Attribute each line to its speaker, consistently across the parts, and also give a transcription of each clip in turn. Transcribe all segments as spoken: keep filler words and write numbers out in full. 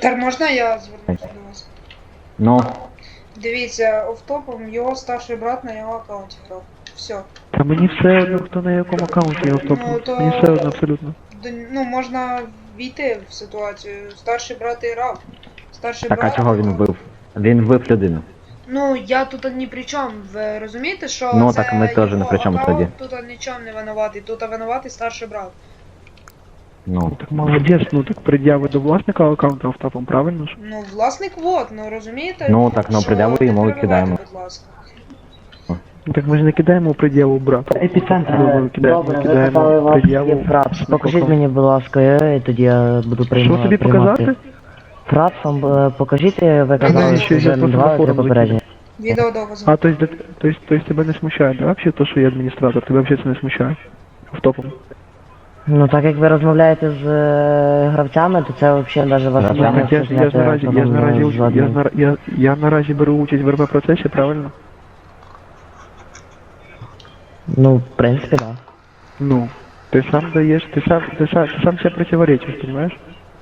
Speaker 1: Так, можна я звернуся до вас?
Speaker 2: Ну,
Speaker 1: Дивіться, офтопом його старший брат на його аккаунті грав. Все.
Speaker 3: Та мені все одно, хто на якому аккаунті я втопив.
Speaker 1: Ну, то-
Speaker 3: Мені все одно абсолютно.
Speaker 1: Д- Ну, можна війти в ситуацію. Старший брат і грав. Старший
Speaker 2: так а
Speaker 1: брат...
Speaker 2: чого він вбив? Він вбив людину.
Speaker 1: Ну, я тут ні при чому. Ви розумієте, що
Speaker 2: Ну,
Speaker 1: це
Speaker 2: так ми теж
Speaker 1: його
Speaker 2: ні при чому
Speaker 1: аккаунт,
Speaker 2: тоді.
Speaker 1: Тут нічого не винуватий. Тут винуватий старший брат.
Speaker 2: Ну,
Speaker 3: Так молодець, ну так пред'яви до власника аккаунту автопом, правильно ж?
Speaker 1: Ну, власник вот, ну розумієте?
Speaker 2: Ну, так, ну,
Speaker 1: що
Speaker 2: пред'яву
Speaker 1: не
Speaker 2: йому
Speaker 1: перебивайте,
Speaker 2: кидаємо.
Speaker 1: будь ласка.
Speaker 3: Ну так ми ж не кидаємо пред'яву брату.
Speaker 4: Епіцентр.
Speaker 3: Ми кидаємо,
Speaker 4: Добре, ви
Speaker 3: кидаємо
Speaker 4: казали, у вас
Speaker 3: пред'яву.
Speaker 4: є фрапс. Покажіть мені, будь ласка, і тоді я буду приймати.
Speaker 3: Що тобі показати?
Speaker 4: Фрапсом е, покажіть, ви казали,
Speaker 3: Навіщо?
Speaker 4: що
Speaker 3: Я
Speaker 4: вже
Speaker 3: просто
Speaker 4: два
Speaker 3: на
Speaker 4: три
Speaker 3: форум
Speaker 4: попередні.
Speaker 1: Відеодокази.
Speaker 3: А, то есть, да- то есть, то есть тебя не смущает, да, вообще то, что я администратор? Тебя вообще это не смущает? Автопом.
Speaker 4: Ну так як ви розмовляєте з е, гравцями, то це взагалі навіть вас
Speaker 2: Гравцями?
Speaker 4: не
Speaker 3: Так я ж, я ж наразі, я ж наразі, уч- я, ж нара- я, я наразі беру участь в РП процесі, правильно?
Speaker 4: Ну, в принципі, так.
Speaker 3: Ну, ты сам даешь, ты сам, ты сам, ты сам себе противоречишь, понимаешь?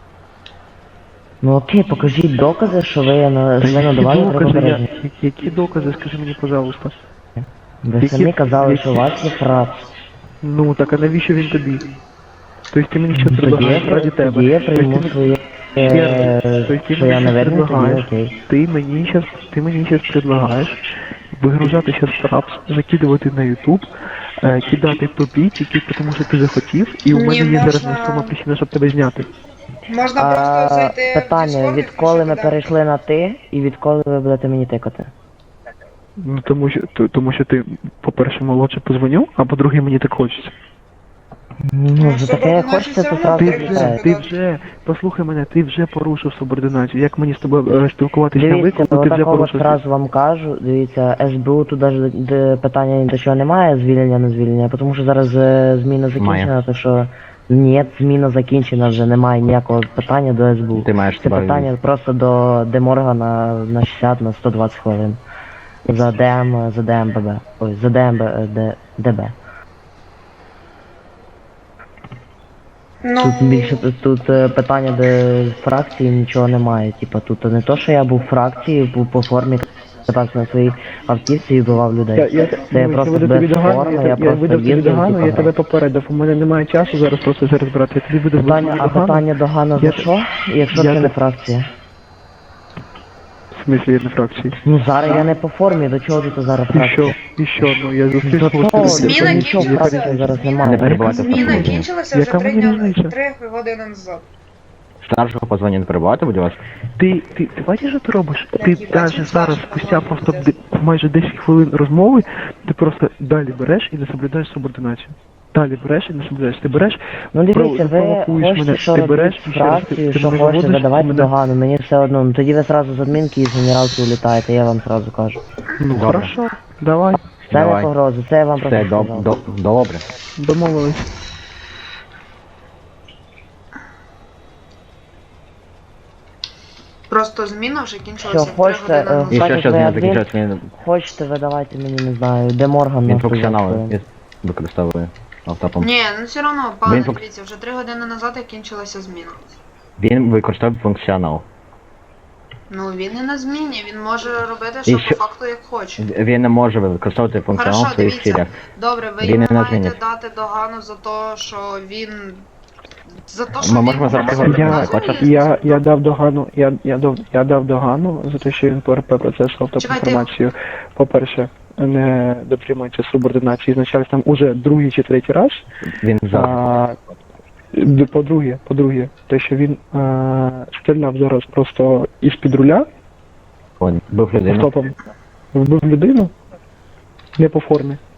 Speaker 4: Ну окей, покажіть докази, що ви на
Speaker 3: Та
Speaker 4: що ви
Speaker 3: які
Speaker 4: надавали три
Speaker 3: докази, я,
Speaker 4: попередні.
Speaker 3: які- які докази, скажи мені, пожалуйста.
Speaker 4: Ви
Speaker 3: які-
Speaker 4: самі казали,
Speaker 3: які-
Speaker 4: що у вас є фрапс.
Speaker 3: Ну, так а навіщо він тобі? Тобто ти мені що
Speaker 4: Тоді я,
Speaker 3: предлагаєш раді
Speaker 4: при-
Speaker 3: тебе?
Speaker 4: тоді я
Speaker 3: Тобто
Speaker 4: прийму
Speaker 3: ти-
Speaker 4: своє,
Speaker 3: Ще раз.
Speaker 4: е,
Speaker 3: Тобто ти
Speaker 4: що я
Speaker 3: мені
Speaker 4: не
Speaker 3: щас
Speaker 4: винний, тоді
Speaker 3: предлагаєш,
Speaker 4: окей.
Speaker 3: ти мені щас, ти мені щас предлагаєш вигружати щас фрапс, закидувати на YouTube, е, кидати тобі тільки тому, що ти захотів, і у
Speaker 1: Ні,
Speaker 3: мене є зараз
Speaker 1: можна-
Speaker 3: несома причина, щоб тебе зняти.
Speaker 1: Можна
Speaker 4: А,
Speaker 1: просто зайти в
Speaker 4: питання,
Speaker 1: Discord і
Speaker 4: відколи ми
Speaker 1: включити
Speaker 4: перейшли на ти, і відколи ви будете мені тикати?
Speaker 3: Ну тому що т- тому що ти, по-перше, молодше позвонив, а по-друге, мені так хочеться.
Speaker 4: Ну, за таке як
Speaker 1: субординацію
Speaker 4: хочеться,
Speaker 1: все
Speaker 4: то
Speaker 1: одно
Speaker 4: сразу
Speaker 3: Ти
Speaker 1: треба
Speaker 3: вже,
Speaker 4: вітаю.
Speaker 3: ти вже, послухай мене, ти вже порушив субординацію. Як мені з тобою е, спілкуватися на
Speaker 4: Дивіться,
Speaker 3: виклику, ти вже
Speaker 4: отакого
Speaker 3: порушив.
Speaker 4: одразу вам кажу, дивіться, ес бе у тут навіть де питання ні до чого немає, звільнення, не звільнення, тому що зараз е, зміна закінчена,
Speaker 2: Має.
Speaker 4: то що ні, зміна закінчена, вже немає ніякого питання до ес бе у.
Speaker 2: ти маєш
Speaker 4: Це
Speaker 2: себе...
Speaker 4: питання просто до Деморгана на шістдесят, на сто двадцять хвилин. За ДМ, за ДМББ. Ой, за ДМБ, е, Д- ДБ.
Speaker 1: Ну,
Speaker 4: Тут більше тут, тут е, питання, де фракції нічого немає. Типа тут не то, що я був в фракції, був по формі так на своїй автівці і вбивав людей.
Speaker 3: Я, я,
Speaker 4: Це я
Speaker 3: ну,
Speaker 4: просто
Speaker 3: видав
Speaker 4: без
Speaker 3: тобі догану,
Speaker 4: форми,
Speaker 3: я,
Speaker 4: я
Speaker 3: я
Speaker 4: просто
Speaker 3: видав тобі
Speaker 4: їздив,
Speaker 3: догану,
Speaker 4: типа,
Speaker 3: я тебе
Speaker 4: грав.
Speaker 3: попередив, у мене немає часу зараз просто зараз брати. Я тобі видав
Speaker 4: Питання, а
Speaker 3: догану.
Speaker 4: питання до Гана за
Speaker 3: Я-
Speaker 4: що? Якщо
Speaker 3: я
Speaker 4: це не
Speaker 3: те-
Speaker 4: фракція?
Speaker 3: В смислі, я не фракції.
Speaker 4: Ну зараз я не по формі, до чого тут зараз
Speaker 3: І
Speaker 4: фракція?
Speaker 3: що? І що? Ну, я зустрів
Speaker 4: До
Speaker 3: свого
Speaker 4: того,
Speaker 3: співробітника.
Speaker 1: Зміна
Speaker 4: до нічого
Speaker 1: кінчилася.
Speaker 4: фракції зараз
Speaker 1: Зміна-
Speaker 4: немає.
Speaker 2: Не перебувати в
Speaker 1: Зміна
Speaker 2: тому.
Speaker 1: кінчилася вже
Speaker 3: Яка
Speaker 1: три
Speaker 3: мені
Speaker 1: дня,
Speaker 3: різниця?
Speaker 1: три години назад.
Speaker 2: Старшого позвоню не перебувати, будь ласка.
Speaker 3: Ти, ти, ти бачиш, що ти робиш?
Speaker 1: Блядь,
Speaker 3: Ти
Speaker 1: їбать,
Speaker 3: навіть
Speaker 1: він
Speaker 3: зараз,
Speaker 1: старший
Speaker 3: спустя
Speaker 1: позвонив,
Speaker 3: просто
Speaker 1: пиздець.
Speaker 3: де- майже десять хвилин розмови, ти просто далі береш і не соблюдаєш субординацію. Далі береш і не соблюдаєш. Ти береш,
Speaker 4: Ну дивіться, ви
Speaker 3: провокуєш
Speaker 4: хочете,
Speaker 3: мене,
Speaker 4: що
Speaker 3: ти
Speaker 4: робити
Speaker 3: береш, і ще раз, ти-
Speaker 4: фракцію,
Speaker 3: ти
Speaker 4: що
Speaker 3: мене
Speaker 4: хочете,
Speaker 3: виводиш,
Speaker 4: давайте
Speaker 3: мене-
Speaker 4: догану, мені все одно. Ну тоді ви зразу з адмінки і з генералки улітаєте, я вам зразу кажу.
Speaker 3: Ну,
Speaker 2: Добре.
Speaker 3: хорошо, давай,
Speaker 4: Це не
Speaker 2: Давай.
Speaker 4: погроза, це я вам
Speaker 2: Все,
Speaker 4: просто
Speaker 2: до,
Speaker 4: сказав.
Speaker 2: до, добре.
Speaker 3: домовились.
Speaker 1: Просто зміна вже
Speaker 4: Що,
Speaker 1: кінчилася три
Speaker 4: хочете,
Speaker 1: години
Speaker 4: е,
Speaker 2: І
Speaker 1: назад.
Speaker 2: що,
Speaker 4: Так,
Speaker 2: що
Speaker 4: як
Speaker 2: з
Speaker 4: ви
Speaker 2: ним
Speaker 4: адмін-
Speaker 2: закінчилось? Він,
Speaker 4: Хочете, ви давайте мені, не знаю, де Морган
Speaker 2: він
Speaker 4: на
Speaker 2: функціонал
Speaker 4: сто
Speaker 2: використовує автопом.
Speaker 1: Ні, ну все одно, пане,
Speaker 2: Він функ-
Speaker 1: дивіться, вже три години назад як кінчилася зміна.
Speaker 2: Він використовує функціонал.
Speaker 1: Ну він не на зміні, він може робити, що
Speaker 2: що-
Speaker 1: по факту як хоче.
Speaker 2: Він не може використовувати функціонал
Speaker 1: Хорошо,
Speaker 2: в своїх
Speaker 1: дивіться.
Speaker 2: цілях.
Speaker 1: Добре, ви
Speaker 2: Він
Speaker 1: йому
Speaker 2: не на
Speaker 1: маєте
Speaker 2: зміні.
Speaker 1: дати догану за те, що він. За те, що
Speaker 2: Ми
Speaker 1: він
Speaker 2: можемо зараз
Speaker 1: просто
Speaker 2: поговорити,
Speaker 3: Я,
Speaker 1: названий
Speaker 2: хочете?
Speaker 3: я, я дав догану, я, я, дав, я дав догану за те, що він по РП процесу автоінформацію, по-перше, не дотримується субординації з начальством уже другий чи третій раз.
Speaker 2: Він завжди.
Speaker 3: А, д- по-друге, по-друге, те, що він а, стріляв зараз просто із-під руля,
Speaker 2: Бив людину.
Speaker 3: автопом, вбив людину, не по формі.